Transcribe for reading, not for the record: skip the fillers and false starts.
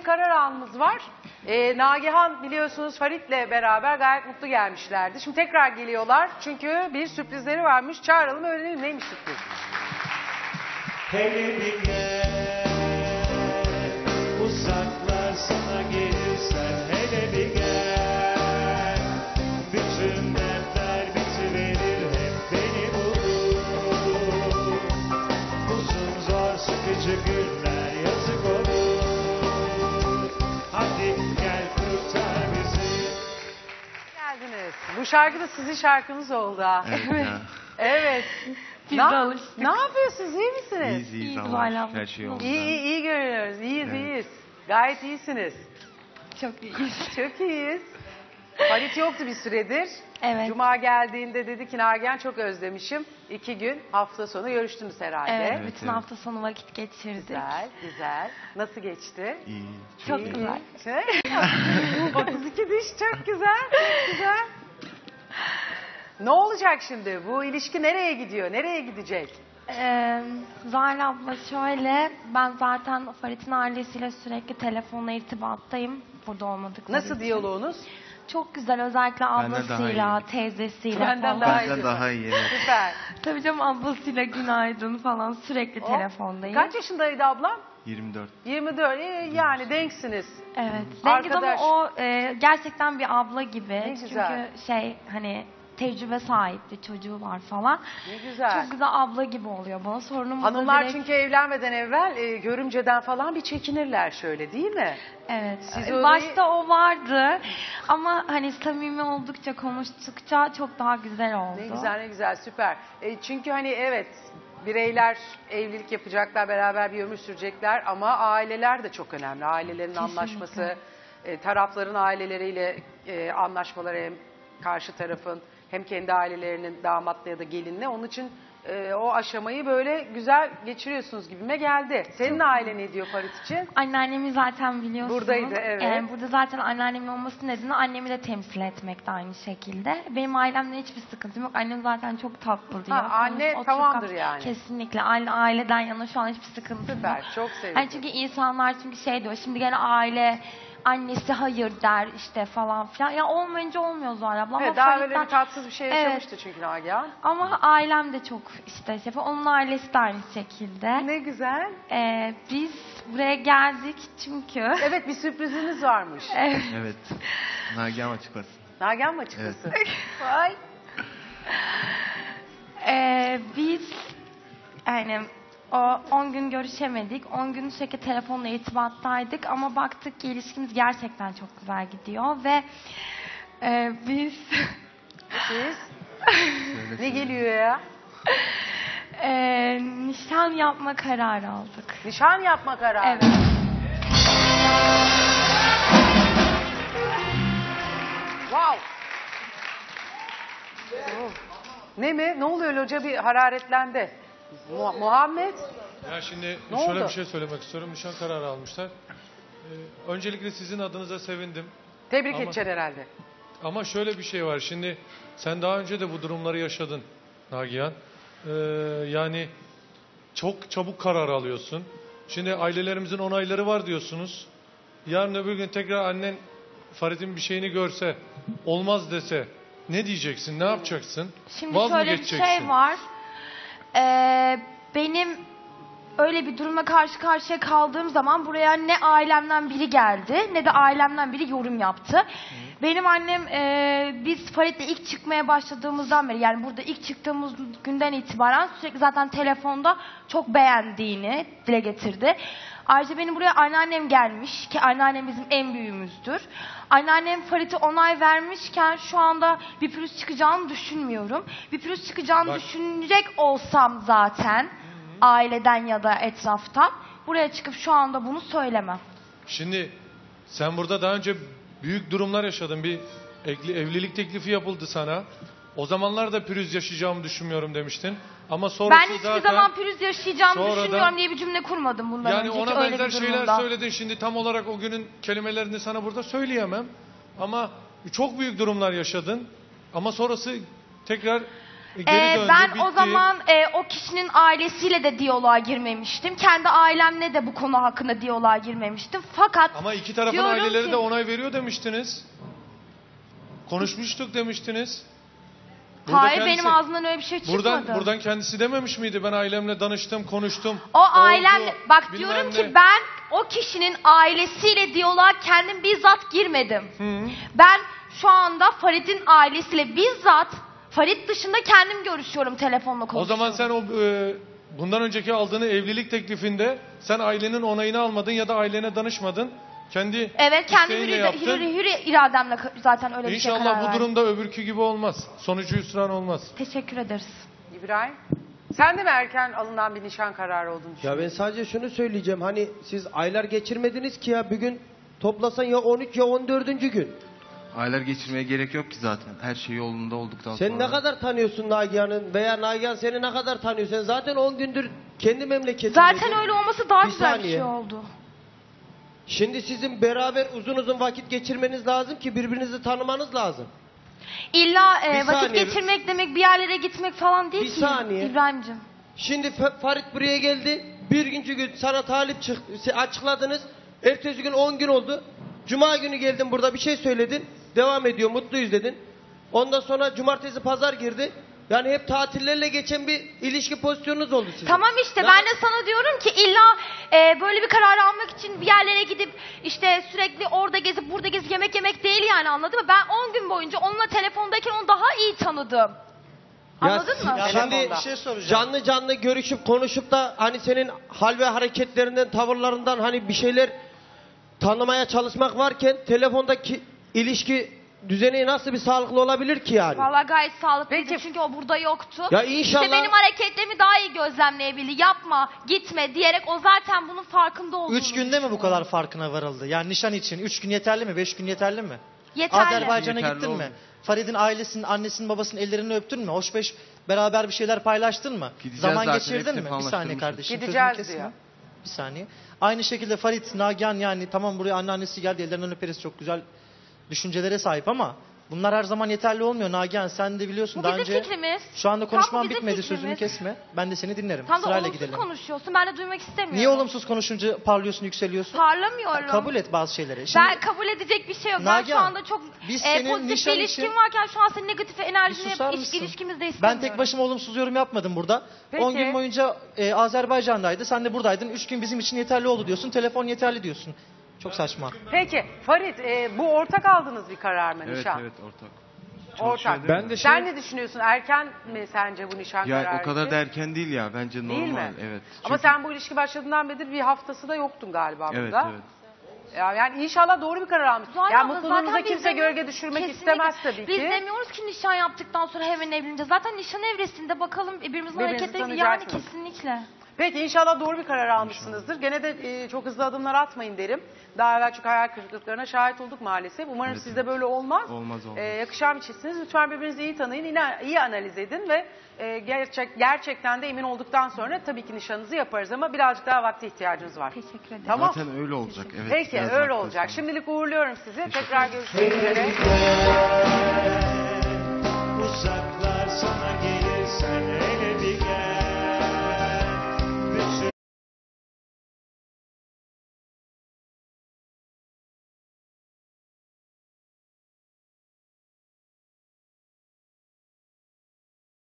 bir karar anımız var. Nagihan biliyorsunuz Farit'le beraber gayet mutlu gelmişlerdi. Şimdi tekrar geliyorlar çünkü bir sürprizleri varmış. Çağıralım öğrenelim neymiş sürpriz. Hele bir gel, uzaklar sana gelirsen hele bir gel. Bütün dertler bitiverir hep beni bulur. Uzun zor sıkıcı günler yazık olur. Hadi gel kurtar bizi. Geldiniz. Bu şarkı da sizin şarkınız oldu ha. Evet ya. Evet. Biz de alıştık. Ne yapıyorsunuz? İyi misiniz? İyiyiz İyi, ama Zuhal abla. her şey yolunda. İyi görünüyoruz. İyiyiz, Evet. iyiyiz. Gayet iyisiniz. Çok iyiyiz. Çok iyiyiz. Halit yoktu bir süredir. Evet. Cuma geldiğinde dedi ki Nagihan çok özlemişim. 2 gün hafta sonu görüştünüz herhalde. Evet, Evet, bütün evet. hafta sonu vakit geçirdik. Güzel, güzel. Nasıl geçti? İyi. Çok İyi. güzel. 32 diş çok güzel, çok güzel. Ne olacak şimdi? Bu ilişki nereye gidiyor? Nereye gidecek? Zuhal abla şöyle, ben zaten Farit'in ailesiyle sürekli telefonla irtibattayım. Burada olmadıkları Nasıl için. diyaloğunuz? Çok güzel, özellikle Benden daha ablasıyla, iyi. teyzesiyle Benden falan. daha iyi. Benden daha iyi. Evet. Süper. Tabii canım, ablasıyla günaydın falan sürekli O, telefondayım. Kaç yaşındaydı ablam? 24. 24. Yani denksiniz. Evet. Dengiz Arkadaş. ama o gerçekten bir abla gibi. Ne güzel. Çünkü hani tecrübe sahipti, çocuğu var falan. Ne güzel. Çok güzel abla gibi oluyor bana. Sorunumuz da Hanımlar direkt- çünkü evlenmeden evvel görümceden falan bir çekinirler şöyle değil mi? Evet. Siz öyle- Başta o vardı ama hani samimi oldukça, konuştukça çok daha güzel oldu. Ne güzel ne güzel süper. Çünkü hani evet bireyler evlilik yapacaklar beraber bir ömür sürecekler ama aileler de çok önemli. Ailelerin Kesinlikle. anlaşması, tarafların aileleriyle anlaşmaları hem karşı tarafın hem kendi ailelerinin damatla ya da gelinle. Onun için o aşamayı böyle güzel geçiriyorsunuz gibime geldi. Senin ailen ne diyor Farit için? Anneannemi zaten biliyorsunuz. Buradaydı, evet. Burada zaten anneannemin olması nedeni annemi de temsil etmek de aynı şekilde. Benim ailemle hiçbir sıkıntım yok. Annem zaten çok tatlı diyor. Anne Oturup tamamdır kalk- yani. Kesinlikle. Aileden yana şu an hiçbir sıkıntım yok. Süper çok sevindim. Hani çünkü insanlar şey diyor. Şimdi gene aile annesi hayır der işte falan filan. Ya olmayınca olmuyor Zuhal abla. Evet, Ama daha Farit'ten- böyle bir tatsız bir şey Evet. yaşamıştı çünkü Nagihan. Ama ailem de çok işte şey yapıyor. Onun ailesi de aynı şekilde. Ne güzel. Biz buraya geldik çünkü Evet bir sürpriziniz varmış. Evet. Nagihan açıklasın. Nagihan mı açıklasın? Vay. Biz yani o 10 gün görüşemedik. 10 gün sürekli telefonla irtibattaydık ama baktık ki ilişkimiz gerçekten çok güzel gidiyor ve biz Siz Söyle, ne söyle. geliyor ya? nişan yapma kararı aldık. Nişan yapma kararı. Evet. Wow. Oh. Ne mi? Ne oluyor hoca bir hararetlendi. Muhammed. Ya şimdi Ne şöyle oldu? bir şey söylemek istiyorum. Nişan kararı almışlar. Öncelikle sizin adınıza sevindim. Tebrik Ama- edeceksin herhalde. Ama şöyle bir şey var. Şimdi sen daha önce de bu durumları yaşadın Nagihan. Yani çok çabuk karar alıyorsun. Şimdi ailelerimizin onayları var diyorsunuz. Yarın öbür gün tekrar annen Farid'in bir şeyini görse, olmaz dese ne diyeceksin, ne yapacaksın? Şimdi Vaz mı şöyle bir geçeceksin? şey var. Benim öyle bir durumla karşı karşıya kaldığım zaman buraya ne ailemden biri geldi ne de ailemden biri yorum yaptı. Benim annem biz Farid'le ilk çıkmaya başladığımızdan beri yani burada ilk çıktığımız günden itibaren sürekli zaten telefonda çok beğendiğini dile getirdi. Ayrıca benim buraya anneannem gelmiş ki anneannem bizim en büyüğümüzdür. Anneannem Farid'e onay vermişken şu anda bir pürüz çıkacağını düşünmüyorum. Bir pürüz çıkacağını Bak. düşünecek olsam zaten aileden ya da etraftan buraya çıkıp şu anda bunu söylemem. Şimdi sen burada daha önce büyük durumlar yaşadın. Bir evlilik teklifi yapıldı sana. O zamanlar da pürüz yaşayacağımı düşünmüyorum demiştin. Ama sonrası Ben hiçbir zaten... zaman pürüz yaşayacağımı sonradan- düşünmüyorum diye bir cümle kurmadım bundan Yani önceki ona öyle benzer bir şeyler durumda. söyledin. Şimdi tam olarak o günün kelimelerini sana burada söyleyemem. Ama çok büyük durumlar yaşadın. Ama sonrası tekrar Geri döndü, Ben o bitti. zaman o kişinin ailesiyle de diyaloğa girmemiştim. Kendi ailemle de bu konu hakkında diyaloğa girmemiştim. Fakat Ama iki tarafın diyorum aileleri ki- de onay veriyor demiştiniz. Konuşmuştuk demiştiniz. Burada hayır, kendisi- benim ağzımdan öyle bir şey çıkmadı. Buradan kendisi dememiş miydi? Ben ailemle danıştım, konuştum. O ailemle, oldu, bak bilmem diyorum ne. ki ben o kişinin ailesiyle diyaloğa kendim bizzat girmedim. Hı. Ben şu anda Farid'in ailesiyle bizzat, Farid dışında kendim görüşüyorum, telefonla O konuşuyorum. zaman sen bundan önceki aldığını evlilik teklifinde sen ailenin onayını almadın ya da ailene danışmadın. Kendi Evet, kendi isteğinle yaptın. hür irademle zaten öyle bir şey karar İnşallah bu verdim. durumda öbürkü gibi olmaz. Sonucu hüsran olmaz. Teşekkür ederiz. İbrahim, sen de mi erken alınan bir nişan kararı olduğunu Ya düşünüyorsun? ben sadece şunu söyleyeceğim. Hani siz aylar geçirmediniz ki ya, bir gün toplasan ya 13 ya 14. gün. Aylar geçirmeye gerek yok ki zaten. Her şey yolunda olduktan Sen sonra. ne kadar tanıyorsun Nagihan'ın veya Nagihan seni ne kadar tanıyor? Sen zaten 10 gündür kendi memleketindeydin. Zaten öyle olması daha Bir güzel bir saniye. şey oldu. Şimdi sizin beraber uzun uzun vakit geçirmeniz lazım ki birbirinizi tanımanız lazım. İlla Bir vakit saniye. geçirmek demek bir yerlere gitmek falan değil Bir ki. saniye. İbrahim'cim. Şimdi Farit buraya geldi. Birinci gün sana talip açıkladınız. Ertesi gün 10 gün oldu. Cuma günü geldin, burada bir şey söyledin. Devam ediyor, mutluyuz dedin. Ondan sonra cumartesi pazar girdi. Yani hep tatillerle geçen bir ilişki pozisyonunuz oldu sizin. Tamam işte Ya- ben de sana diyorum ki illa böyle bir karar almak için bir yerlere gidip işte sürekli orada gezip burada gezip yemek yemek değil yani, anladın mı? Ben 10 gün boyunca onunla telefondayken onu daha iyi tanıdım. Anladın mı? Ya şimdi Bir şey soracağım. canlı canlı görüşüp konuşup da hani senin hal ve hareketlerinden, tavırlarından hani bir şeyler tanımaya çalışmak varken telefondaki ilişki düzeni nasıl bir sağlıklı olabilir ki yani? Vallahi gayet sağlıklıydı Peki. çünkü o burada yoktu. Ya inşallah- İşte benim hareketlerimi daha iyi gözlemleyebildi. Yapma, gitme diyerek o zaten bunun farkında olduğunu 3 günde mi bu kadar farkına varıldı? Yani nişan için 3 gün yeterli mi? 5 gün yeterli mi? Yeterli. Azerbaycan'a Yeterli gittin mi? oldu. Farid'in ailesinin, annesinin, babasının ellerini öptün mü? Hoş beş beraber bir şeyler paylaştın mı? Gideceğiz Zaman zaten, geçirdin hepsini mi? Bir saniye anlaştırmışız. kardeşim. Gideceğiz sözümü kesme. diyor. Bir saniye. Aynı şekilde Farid, Nagihan, yani tamam buraya anneannesi geldi, ellerinden öperiz, çok güzel düşüncelere sahip ama bunlar her zaman yeterli olmuyor Nagihan. Sen de biliyorsun Bu daha bizim önce. fikrimiz. Şu anda Tam konuşmam bizim bitmedi, fikrimiz. sözümü kesme. Ben de seni dinlerim. Tam da Sırayla olumsuz gidelim. konuşuyorsun. Ben de duymak istemiyorum. Niye olumsuz konuşunca parlıyorsun, yükseliyorsun? Parlamıyorum. Kabul et bazı şeyleri. Şimdi Ben kabul edecek bir şey yok. Ben şu Nagihan, anda çok biz senin pozitif bir nişan ilişkim için- varken şu an senin negatif bir enerjini susar mısın? ilişkimizde Ben istemiyorum. tek başıma olumsuz yorum yapmadım burada. Peki. 10 gün boyunca Azerbaycan'daydı. Sen de buradaydın. 3 gün bizim için yeterli oldu diyorsun. Telefon yeterli diyorsun. Çok saçma. Peki Farid, bu ortak aldığınız bir karar mı Evet nişan? evet ortak. Ortak. Ben de Sen ne düşünüyorsun? Erken mi sence bu nişan Ya kararı o kadar için? da erken değil ya. Bence normal. Değil mi? Evet. Ama Çünkü- sen bu ilişki başladığından beri bir haftası da yoktun galiba Evet burada. evet. Yani inşallah doğru bir karar almışsın. Zuhal Ya abla, mutluluğunuza zaten biz kimse demiyoruz- gölge düşürmek Kesinlikle. istemez tabii Biz ki. demiyoruz ki nişan yaptıktan sonra hemen evleneceğiz. Zaten nişan evresinde bakalım birbirimizin Birbirinizi hareketlerini, yani tanıyacaksınız. kesinlikle. Peki inşallah doğru bir karar almışsınızdır. Gene de çok hızlı adımlar atmayın derim. Daha evvel çok hayal kırıklıklarına şahit olduk maalesef. Umarım Evet, sizde böyle olmaz. Olmaz. Yakışan bir çiftsiniz. Lütfen birbirinizi iyi tanıyın, iyi analiz edin ve gerçekten de emin olduktan sonra tabii ki nişanınızı yaparız ama birazcık daha vakte ihtiyacınız var. Teşekkür ederim. Tamam. Zaten öyle olacak. Evet. Peki biraz öyle vakti olacak. sonra. Şimdilik uğurluyorum sizi. Tekrar görüşmek üzere. Uzaklar sana gelirsen hele